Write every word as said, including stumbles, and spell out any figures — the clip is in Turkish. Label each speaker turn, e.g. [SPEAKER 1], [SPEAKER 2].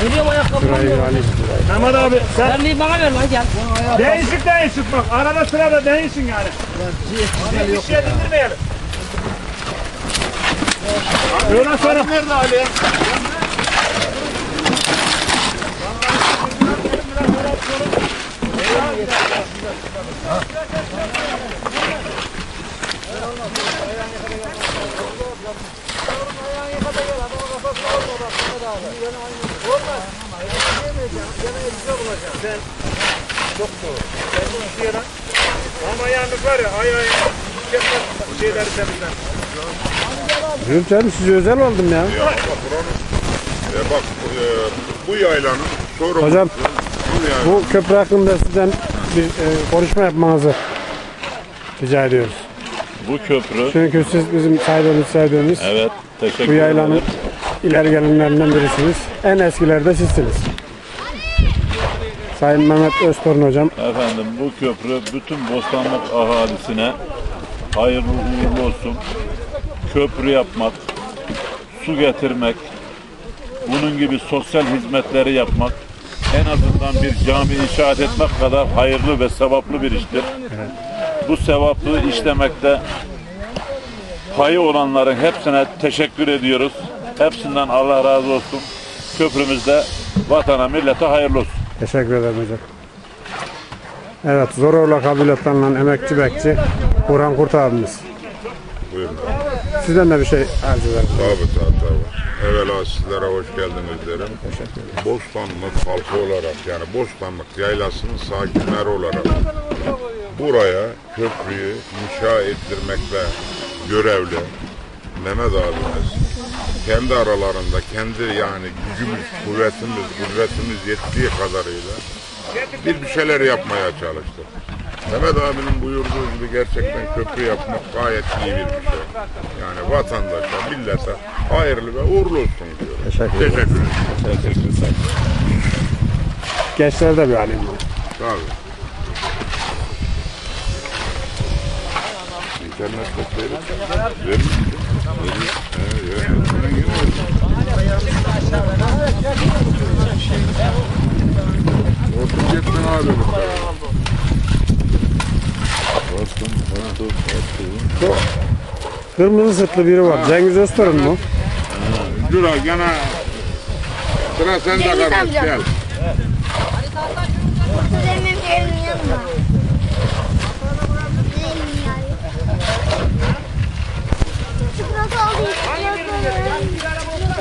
[SPEAKER 1] Veriyorum ayakkabımı.
[SPEAKER 2] Şurayı alayım.
[SPEAKER 3] Mehmet abi sen
[SPEAKER 1] Vermeyi bana ver lan gel.
[SPEAKER 3] değişik değişik bak. Arada sırada değişsin yani. Bir şey dindirmeyelim. Öyle sonra. Nerede Ali? Sen çok doğru. Sen bu işe yaran. Ama yalnız var ya ay ay bu şeyleri temizler.
[SPEAKER 2] Diyorum canım size özel oldum ya.
[SPEAKER 4] Ya bak buranın, e bak e, bu yaylanın sorumlusu.
[SPEAKER 2] Hocam
[SPEAKER 4] bu, yaylanın,
[SPEAKER 2] bu köprü hakkında sizden bir e, konuşma yapmanızı rica ediyoruz.
[SPEAKER 5] Bu köprü,
[SPEAKER 2] Çünkü siz bizim saydığımız saydığımız
[SPEAKER 5] evet, teşekkür
[SPEAKER 2] bu yaylanın
[SPEAKER 5] ederim.
[SPEAKER 2] ileri gelenlerinden birisiniz. En eskileri de sizsiniz. Sayın Mehmet Öztorun hocam.
[SPEAKER 5] Efendim bu köprü bütün Bostanlık ahalisine hayırlı uğurlu olsun. Köprü yapmak, su getirmek, bunun gibi sosyal hizmetleri yapmak, en azından bir cami inşaat etmek kadar hayırlı ve sevaplı bir iştir. Evet. Bu sevaplı işlemekte payı olanların hepsine teşekkür ediyoruz. Hepsinden Allah razı olsun. Köprümüzde vatana, millete hayırlı olsun.
[SPEAKER 2] Teşekkür ederim hocam. Evet, Zoroğlu kabilesinden emekçi bekçi Burhan Kurt abimiz.
[SPEAKER 4] buyurun.
[SPEAKER 2] Sizden de bir şey arz ederim.
[SPEAKER 4] Tabii tabii tabii. Evvela sizlere hoş geldiniz derim. Bostanlık halkı olarak yani Bostanlık yaylasının sakinleri olarak buraya köprüyü inşa ettirmekle görevli Mehmet abimiz kendi aralarında kendi yani gücümüz, kuvvetimiz, kudretimiz yettiği kadarıyla bir bir şeyler yapmaya çalıştık. Mehmet abinin buyurduğu gibi gerçekten köprü yapmak gayet iyi bir şey. Yani vatandaşa, millete hayırlı ve uğurlu olsun diyorum.
[SPEAKER 2] Teşekkür ederim.
[SPEAKER 4] Teşekkür ederim.
[SPEAKER 5] Teşekkür ederim.
[SPEAKER 2] Gençlere de bir alayım.
[SPEAKER 4] Tabii. İnternette seyret. Verir misin? Verir. Evet, evet. Orta yetmen abi.
[SPEAKER 5] Bastım, bastım, bastım.
[SPEAKER 2] Kırmızı sırtlı biri var. Cengiz Öztorun mu?
[SPEAKER 4] Dur ha gene sıra sende kardeş gel.
[SPEAKER 6] Benim evim yanımda. Çikolata alayım. Çikolata alayım.